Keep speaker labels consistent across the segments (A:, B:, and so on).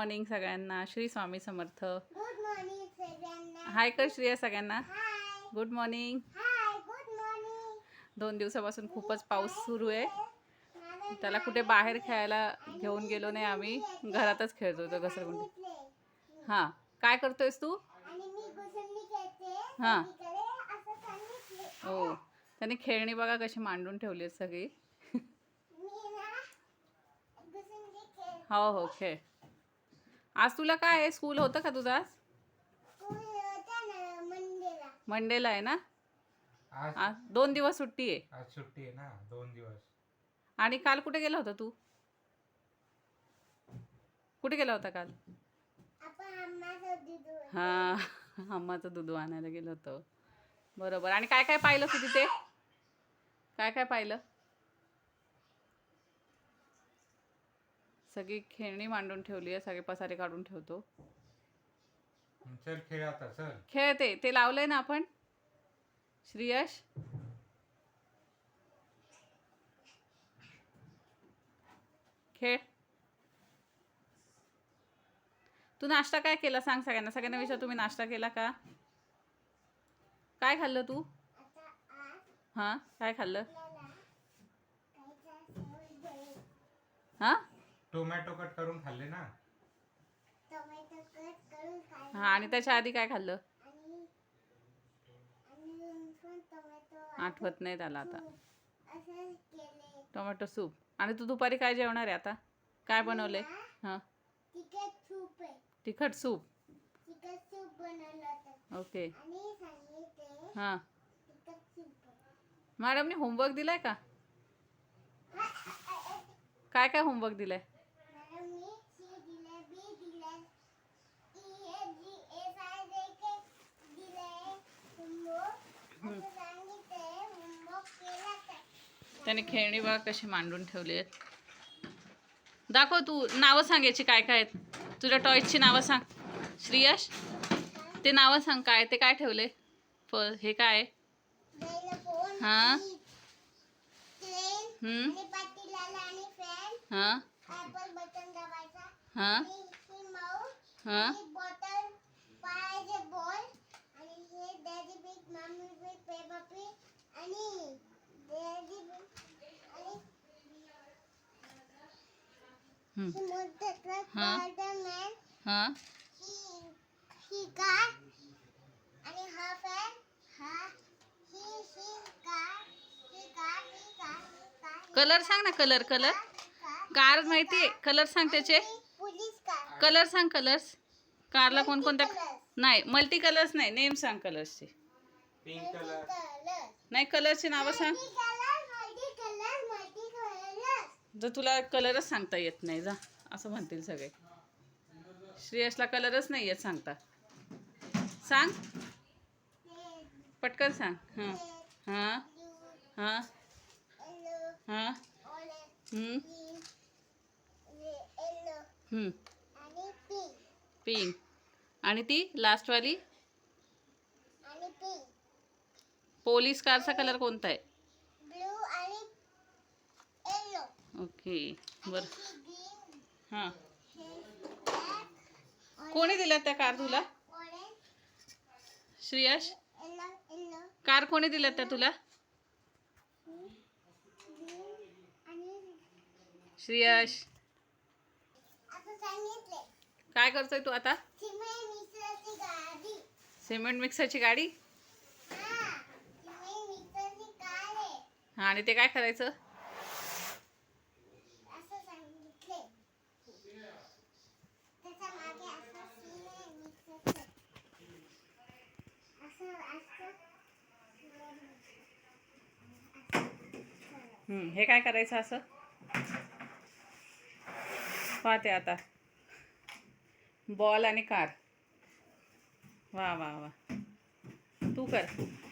A: Morning सगळ्यांना. Shri Swami Samarth.
B: Good morning सगळ्यांना.
A: Hi कर श्रेया सगळ्यांना.
B: Hi
A: good morning.
B: Hi good morning.
A: 2 दिवसापासून खूपच पाऊस सुरू आहे. त्याला कुठे बाहेर खेळायला घेऊन गेलो नाही आम्ही. घरातच खेळत होतो घसरगुंडी. हां, काय करतोयस तू?
B: आणि मी घसरगुंडी खेळते.
A: हां.
B: तिकडे असं सांगितले.
A: हो, त्याने खेळणी बघा कशी मांडून ठेवली आहेत सगळी.
B: मी ना घसरगुंडी खेळ.
A: हो हो, खेळ. आज तुला काय आहे, स्कूल होतं का तुझं आज?
B: स्कूल होता ना मंडेला.
A: मंडेला आहे ना.
C: आज
A: आज 2 दिवस सुट्टी आहे.
C: आज सुट्टी आहे ना 2 दिवस.
A: आणि काल कुठे गेला होता तू? कुठे गेला होता काल?
B: आपण आम्हाला दूध.
A: हां, अम्माचं दूध आणायला गेलो होतो. बरोबर. आणि काय काय पाहिलं तू तिथे? काय काय पाहिलं? सगळी खेळणी मांडून ठेवली आहे. सगळे पसारे काढून ठेवतो.
C: चल खेळ आता चल.
A: खेळते ते लावलंय ना आपण. श्रीयश, खेळ. तू नाश्ता काय केला सांग सगळ्यांना. सगळ्यांना विचार, तुम्ही नाश्ता केला का? काय खाल्लं तू?
B: आता आज
A: हां, काय खाल्लं?
B: आपल्याला काहीचा सेवल दे.
A: हां
C: टोमॅटो कट करून खाल्ले ना.
B: टोमॅटो कट करून खायचं.
A: हां, आणि त्याच्या आधी काय खाल्लं?
B: आणि आणि पण टोमॅटो
A: आठवत नाही त्याला आता.
B: असं केले.
A: Tomato soup. आणि तू दुपारी काय जेवणार आहे आता? काय बनवले? हां,
B: तिखट सूप आहे.
A: तिखट सूप.
B: तिखट सूप बनवलं होतं.
A: ओके.
B: आणि सांगितले
A: हां,
B: तिखट सूप.
A: मॅडमने होमवर्क दिलाय का? काय काय होमवर्क दिलाय?
B: मॅडमनी सी दिले, बी दिले, E A G S I J K दिले. होमवर्क असं सांगितले. होमवर्क केला का?
A: त्याने खेळणी बघा कशी मांडून ठेवली आहेत. दाखव तू नावं सांग याची काय काय आहेत. तुझ्या टॉयजची नावं सांग श्रीयश. ते नावं सांग काय ते काय ठेवले. हे काय आहे?
B: बैलपोन,
A: हां.
B: ट्रेन आणि पाटीलाला आणि फॅन.
A: हां
B: ॲपल बटन दाबायचा.
A: हां
B: आणि ही माऊस
A: हां
B: आणि बॉटल पायाचे बॉल आणि हे daddy big mummy big Peppa pig आणि डॅडी बिग आणि ही मोठं ट्रक
A: हां.
B: स्पायडरमॅन.
A: हां
B: ही कार आणि हा फॅन. हा ही कार.
A: कलर सांग ना. कलर कार माहिती आहे. कलर सांग त्याचे.
B: Police car.
A: कलर सांग. कलर्स कारला कोणकोणत्या?
B: Multicolors.
A: नाही, मल्टी कलर्स नाही. नेम सांग कलर्सचे.
C: Pink colour.
A: नाही, कलरची नावं सांग. जर तुला कलरच सांगता येत नाही जा असं म्हणतील सगळे. श्रेयसला कलरच नाही येत सांगता. सांग पटकन सांग. हां हां हां हां. पिंक. आणि ती लास्टवाली पोलीस कारचा कलर कोणता आहे?
B: ब्लू आणि येलो.
A: ओके बरं. हां, कोणी दिल्या त्या कार तुला? श्रेयश, कार कोणी दिल्या त्या तुला? श्रेयश, काय करतोय तू आता? सिमेंट मिक्सरची गाडी. हां, आणि ते काय करायचं? हे काय करायचं असं? पाहते आता. बॉल आणि कार. वा वा वा. तू कर.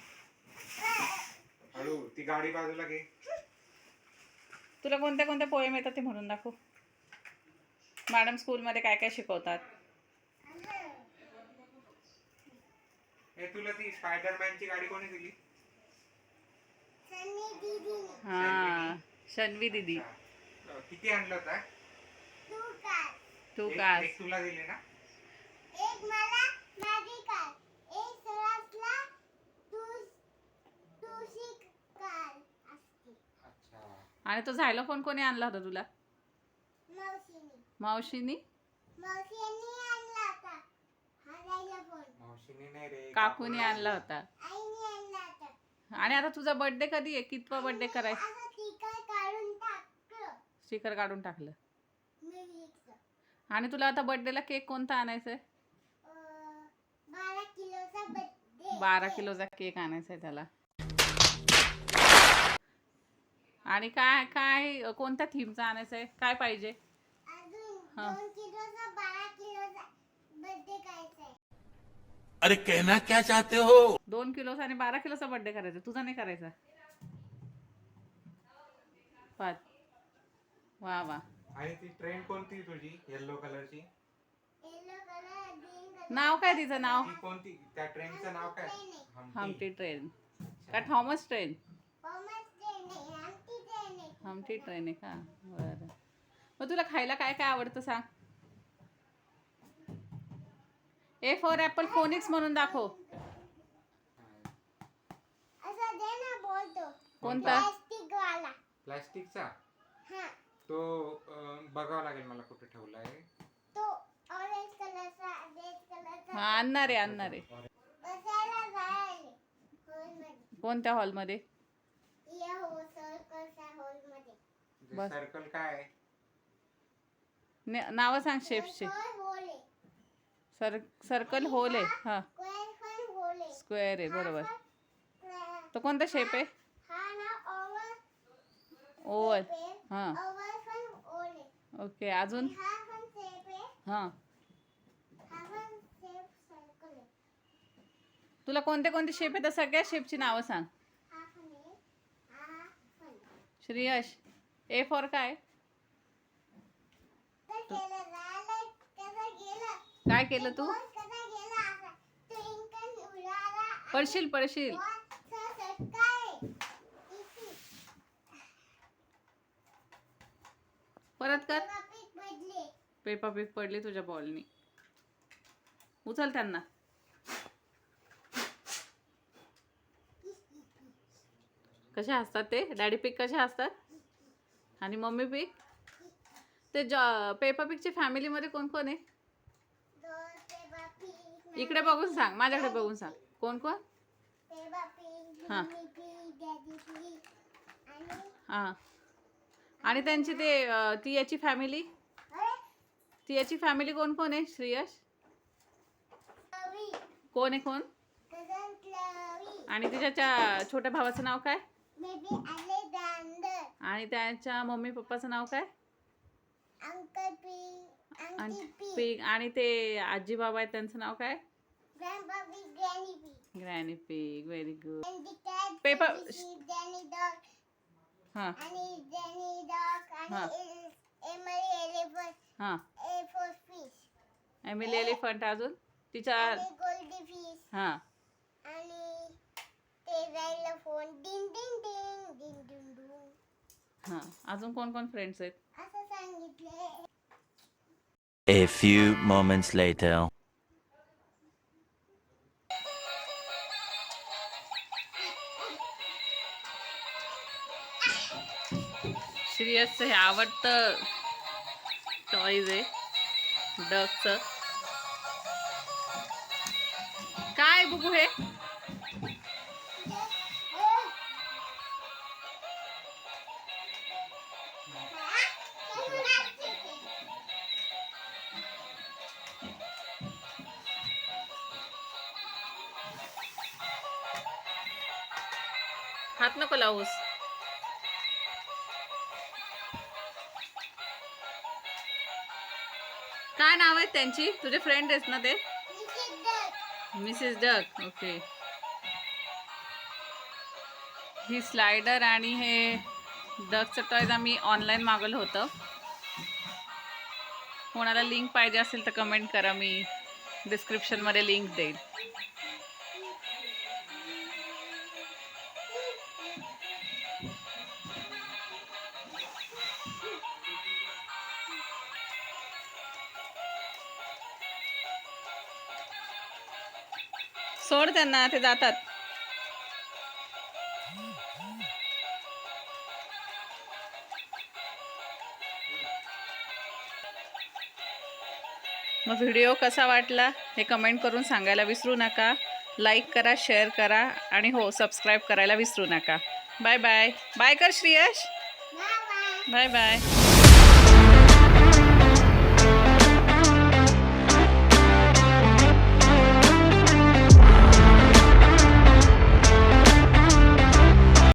C: हळू ती गाडी बाजूला घे.
A: तुला कोणत्या कोणत्या पोएम येतात ते म्हणून दाखव. मॅडम स्कूलमध्ये काय काय शिकवतात?
C: तुला ती स्पायडरमॅनची गाडी कोणी दिली?
A: हां, शन्वी दीदी.
C: किती आणलं होता?
A: तू
C: एक
A: का
C: एक तुला दिले ना.
B: एक मला मॅजिकल, एक सरसला तुळशी काल असते.
C: अच्छा.
A: आणि तो झायलोफोन कोणी आणला होता तुला?
B: मावशीने
A: मावशीनी?
B: मावशीने आणला होता हा जायला फोन.
C: मावशीने नाही रे,
A: काकूनी आणला होता.
B: आईने आणला होता.
A: आणि आता तुझा बर्थडे कधी आहे? कितवा बर्थडे करायचा?
B: असं स्टिकर काढून टाकलं
A: स्टिकर काढून टाकलं.
B: म्युझिकचं.
A: आणि तुला आता बर्थडेला केक कोणता आणायचा आहे?
B: 12 किलोचा बर्थडे.
A: 12 किलोचा केक आणायचा आहे त्याला. आणि काय काय कोणत्या थीमचा आणायचा आहे? काय पाहिजे?
B: अजून
A: हा.
B: 2 किलोचा 12 किलोचा बर्थडे करायचा आहे.
D: अरे कहना क्या चाहते हो?
A: 2 किलोचा आणि 12 किलोचा बर्थडे करायचा. तुझा नाही करायचा? पाच. वा वा.
C: आणि ती ट्रेन कोणती तुझी येल्लो कलरची?
B: Yellow colour, green colour.
A: नाव काय तिचं नाव?
C: ती कोणती? त्या ट्रेनचं नाव काय?
A: हमटी ट्रेन का थॉमस ट्रेन?
B: कॉमर्स ट्रेन आहे, आमची ट्रेन आहे.
A: हमटी ट्रेन आहे का? बरं. मग तुला खायला काय काय आवडतं सांग? ए फॉर ॲपल फोनिक्स म्हणून दाखव.
B: असं दे ना बोलतो.
A: कोणता?
B: प्लास्टिक वाला.
C: प्लास्टिकचा.
B: हा.
C: तो बघावा लागेल मला कुठे ठेवलाय.
B: तो ऑरेंज कलरचा, रेड कलरचा.
A: हा आणणार आहे.
B: बसायला जायला हॉलमध्ये.
A: कोणत्या हॉलमध्ये?
B: या हो सर्कलच्या हॉलमध्ये.
A: बस.
C: सर्कल काय आहे?
A: नावं सांग शेप्सचे.
B: हॉल आहे.
A: सर्कल होल आहे. हा
B: स्क्वेअर पण हॉल आहे.
A: स्क्वेअर आहे बरोबर.
B: हा
A: तो कोणता शेप आहे?
B: ना ओव्हल.
A: ओव्हल. हा
B: ओव्हल पण हॉल आहे.
A: ओके. अजून?
B: हा पण शेप आहे.
A: हा.
B: हा पण शेप सर्कल आहे.
A: तुला कोणते कोणते शेप आहेत? सगळ्या शेपची नावं सांग.
B: हा पण आहे. हा पण.
A: श्रेयश ए फॉर काय?
B: तर गेलं राहिलं कसं गेलं.
A: काय केलं तू?
B: बॉल कसा गेला असा. ट्विंकल उडाला.
A: पडशील.
B: बॉलचा चटका आहे. इथे.
A: परत कर.
B: पीक बदले.
A: पेपा पिग पडली तुझ्या बॉलनी. उचल त्यांना. कसे असतात ते? डॅडी पिग कसे असतात? आणि मम्मी पिग? ते पेपा पिगच्या फॅमिलीमध्ये कोण कोण आहे?
B: दोन पेपा पीक.
A: इकडे बघून सांग. माझ्याकडे बघून सांग. कोण कोण?
B: पेपा पीक,
A: हा.
B: मम्मी पीक, डॅडी पीक आणि
A: हां. आणि त्यांची ते ती याची फॅमिली?
B: अरे
A: ती याची फॅमिली कोण कोण आहे श्रेयश?
B: रवी.
A: कोण आहे कोण?
B: कझन रवी.
A: आणि तिच्या छोट्या भावाचं नाव काय?
B: Baby Alexander.
A: आणि त्याच्या मम्मी पप्पाचं नाव काय?
B: अंकल पीक, आंटी
A: आणि
B: पीक,
A: पिग. आणि ते आजी बाबा आहेत त्यांचं नाव काय?
B: Grandpa pig, granny pig.
A: Granny pig. Very good.
B: And the cat,
A: Peppa-
B: the sheep, Danny dog,
A: हां
B: आणि Danny dog,
A: हा.
B: आणि Emily elephant,
A: हां.
B: A for fish,
A: Emily elephant. अजून तिच्या
B: आणि गोल्डी फिश,
A: हां.
B: आणि ते जायला फोन डिंग डिंग डिंग डिंग डिंग डिंग
A: हां. अजून कोण कोण फ्रेंड्स आहेत?
B: असं सांगितले.
D: A few moments later.
A: श्रेयसचं हे आवडतं टॉईज आहे डगचं. काय बघू हे? हात नको लावूस. काय नाव आहेत त्यांची? तुझे फ्रेंड आहेत ना ते? Mrs duck. ओके. ही स्लायडर आणि हे डकचं टॉयज आम्ही ऑनलाईन मागवलं होतं. कोणाला लिंक पाहिजे असेल तर कमेंट करा. मी डिस्क्रिप्शनमध्ये लिंक देईल. सोड त्यांना, ते जातात. मग व्हिडिओ कसा वाटला हे कमेंट करून सांगायला विसरू नका. लाईक करा, शेअर करा आणि हो सबस्क्राईब करायला विसरू नका. Bye bye. बाय कर Shreyash.
B: Bye bye.
A: Bye bye.